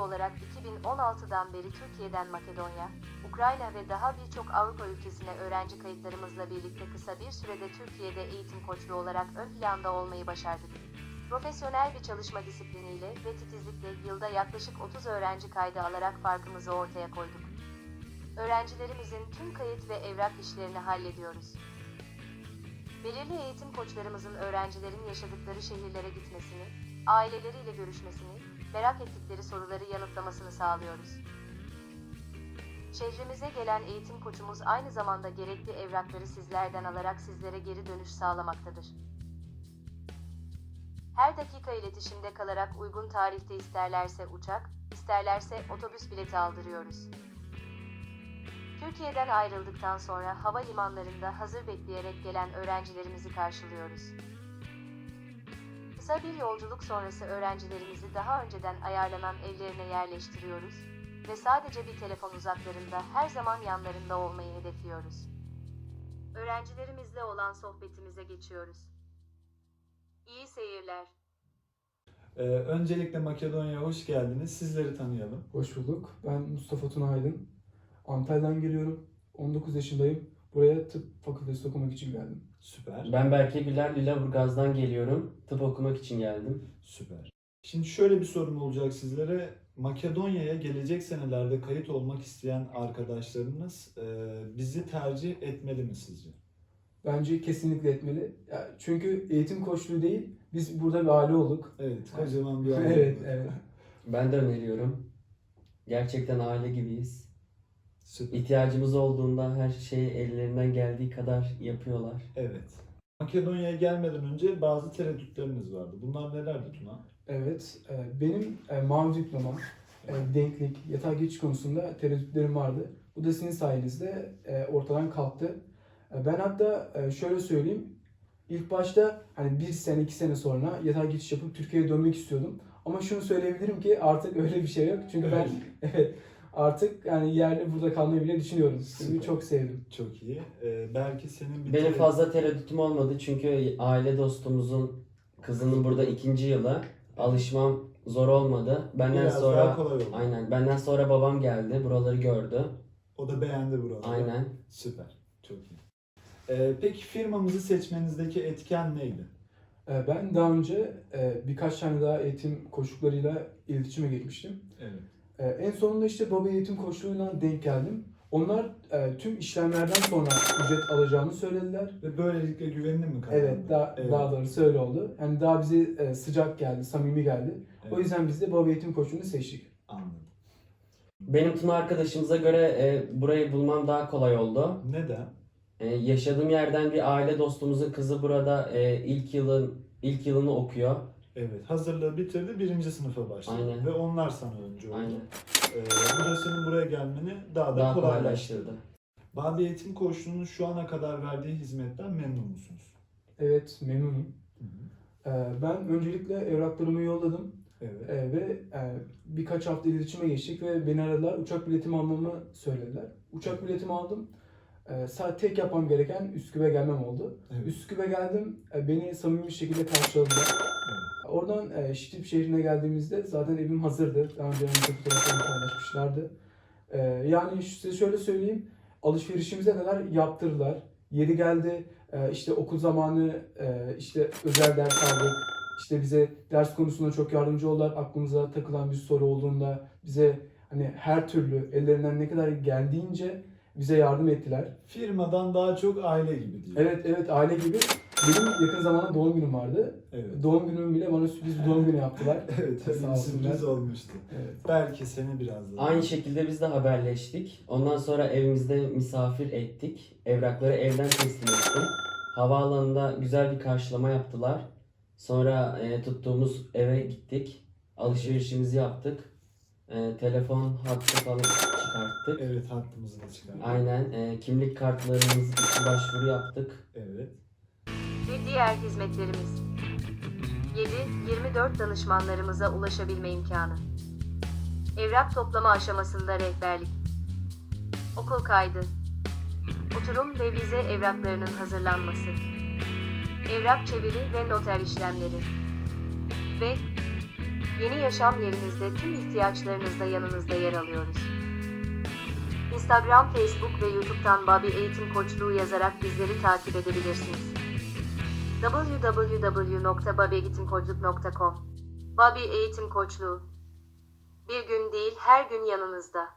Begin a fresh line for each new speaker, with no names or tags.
olarak 2016'dan beri Türkiye'den Makedonya, Ukrayna ve daha birçok Avrupa ülkesine öğrenci kayıtlarımızla birlikte kısa bir sürede Türkiye'de eğitim koçluğu olarak ön planda olmayı başardık. Profesyonel bir çalışma disipliniyle ve titizlikle yılda yaklaşık 30 öğrenci kaydı alarak farkımızı ortaya koyduk. Öğrencilerimizin tüm kayıt ve evrak işlerini hallediyoruz. Belirli eğitim koçlarımızın öğrencilerin yaşadıkları şehirlere gitmesini, aileleriyle görüşmesini, merak ettikleri soruları yanıtlamasını sağlıyoruz. Şehrimize gelen eğitim koçumuz aynı zamanda gerekli evrakları sizlerden alarak sizlere geri dönüş sağlamaktadır. Her dakika iletişimde kalarak uygun tarihte isterlerse uçak, isterlerse otobüs bileti aldırıyoruz. Türkiye'den ayrıldıktan sonra havalimanlarında hazır bekleyerek gelen öğrencilerimizi karşılıyoruz. Kısa bir yolculuk sonrası öğrencilerimizi daha önceden ayarlanan evlerine yerleştiriyoruz ve sadece bir telefon uzaklarında her zaman yanlarında olmayı hedefliyoruz. Öğrencilerimizle olan sohbetimize geçiyoruz. İyi seyirler.
Öncelikle Makedonya'ya hoş geldiniz. Sizleri tanıyalım.
Hoş bulduk. Ben Mustafa Tuna Aydın. Antalya'dan geliyorum. 19 yaşındayım. Buraya tıp fakültesi okumak için geldim.
Süper.
Ben Berke Güler, Lüleburgaz'dan geliyorum. Tıp okumak için geldim.
Süper. Şimdi şöyle bir sorum olacak sizlere. Makedonya'ya gelecek senelerde kayıt olmak isteyen arkadaşlarınız bizi tercih etmeli mi sizce?
Bence kesinlikle etmeli. Ya çünkü eğitim koçluğu değil, biz burada bir aile olduk.
Evet, kocaman bir aile.
Evet, evet.
Ben de öneriyorum. Gerçekten aile gibiyiz.
Süper.
İhtiyacımız olduğunda her şeyi ellerinden geldiği kadar yapıyorlar.
Evet. Makedonya'ya gelmeden önce bazı tereddütleriniz vardı. Bunlar nelerdi Tuna?
Evet, benim mavi diplomam, denklik, yatay geçiş konusunda tereddütlerim vardı. Bu da sizin sayenizde ortadan kalktı. Ben hatta şöyle söyleyeyim, ilk başta hani 1 sene, 2 sene sonra yatay geçiş yapıp Türkiye'ye dönmek istiyordum. Ama şunu söyleyebilirim ki artık öyle bir şey yok. Çünkü ben evet, artık yani yerli burada kalmayı bile düşünüyorum. Çünkü
Süper.
çok sevdim.
Çok iyi. Belki senin bir
Benim fazla tereddütüm olmadı çünkü aile dostumuzun kızının burada 2. yılı. Alışmam zor olmadı. Benden
biraz
sonra
daha kolay oldu.
aynen. Benden sonra babam geldi. Buraları gördü.
O da beğendi buraları.
Aynen.
Süper. Çok iyi. Peki firmamızı seçmenizdeki etken neydi?
Ben daha önce birkaç tane daha eğitim koçluklarıyla iletişime geçmiştim.
Evet.
En sonunda işte baba eğitim koçluğuyla denk geldim. Onlar tüm işlemlerden sonra ücret alacağını söylediler.
Ve böylelikle güvenini mi kazandı?
Evet, daha doğrusu öyle oldu. Yani daha bize sıcak geldi, samimi geldi.
Evet.
O yüzden biz de baba eğitim koçluğunu seçtik.
Anladım.
Benim Tuna arkadaşımıza göre burayı bulmam daha kolay oldu.
Neden?
Yaşadığım yerden bir aile dostumuzun kızı burada ilk yılını okuyor.
Evet. Hazırlığı bitirdi. 1. sınıfa başladı.
Aynen.
Ve onlar sana önce oldu.
Aynen.
Bu da senin buraya gelmeni daha da
Daha
kolaylaştırdı.
kolaylaştırdı.
Babi Eğitim Koçluğu'nun şu ana kadar verdiği hizmetten memnun musunuz?
Evet, memnunum.
Hı hı.
Ben öncelikle evraklarımı yolladım.
Evet.
Ve birkaç hafta iletişime geçtik ve beni aradılar. Uçak biletimi almamı söylediler. Uçak biletimi aldım. Sadece tek yapmam gereken Üsküp'e gelmem oldu.
Evet.
Üsküp'e geldim. Beni samimi bir şekilde karşıladılar.
Evet.
Oradan Şitip şehrine geldiğimizde zaten evim hazırdı. Daha önce önce fotoğraflarını paylaşmışlardı. Yani size şöyle söyleyeyim. Alışverişimize kadar yaptırdılar. Yeri geldi. İşte okul zamanı işte özel ders aldık. İşte bize ders konusunda çok yardımcı oldular. Aklımıza takılan bir soru olduğunda bize hani her türlü ellerinden ne kadar geldiğince bize yardım ettiler.
Firmadan daha çok aile gibi diyor.
Evet, aile gibi. Benim yakın zamanda doğum günüm vardı.
Evet.
Doğum günümü bile bana sürpriz bir doğum günü yaptılar.
Evet, öyle
Sağ
bir
olsunlar.
sürpriz olmuştu.
Evet.
Belki seni biraz daha...
Aynı şekilde biz de haberleştik. Ondan sonra evimizde misafir ettik. Evrakları evden teslim ettim. Havaalanında güzel bir karşılama yaptılar. Sonra tuttuğumuz eve gittik. Alışverişimizi yaptık. Telefon hattı falan çıkarttık.
Evet, hattımızı da çıkardık.
Aynen. Kimlik kartlarımız için başvuru yaptık.
Evet.
Ve diğer hizmetlerimiz. 7-24 danışmanlarımıza ulaşabilme imkanı. Evrak toplama aşamasında rehberlik. Okul kaydı. Oturum ve vize evraklarının hazırlanması. Evrak çeviri ve noter işlemleri. Ve Yeni yaşam yerinizde tüm ihtiyaçlarınızda yanınızda yer alıyoruz. Instagram, Facebook ve YouTube'dan Babi Eğitim Koçluğu yazarak bizleri takip edebilirsiniz. www.babieğitimkoçluk.com Babi Eğitim Koçluğu. Bir gün değil, her gün yanınızda.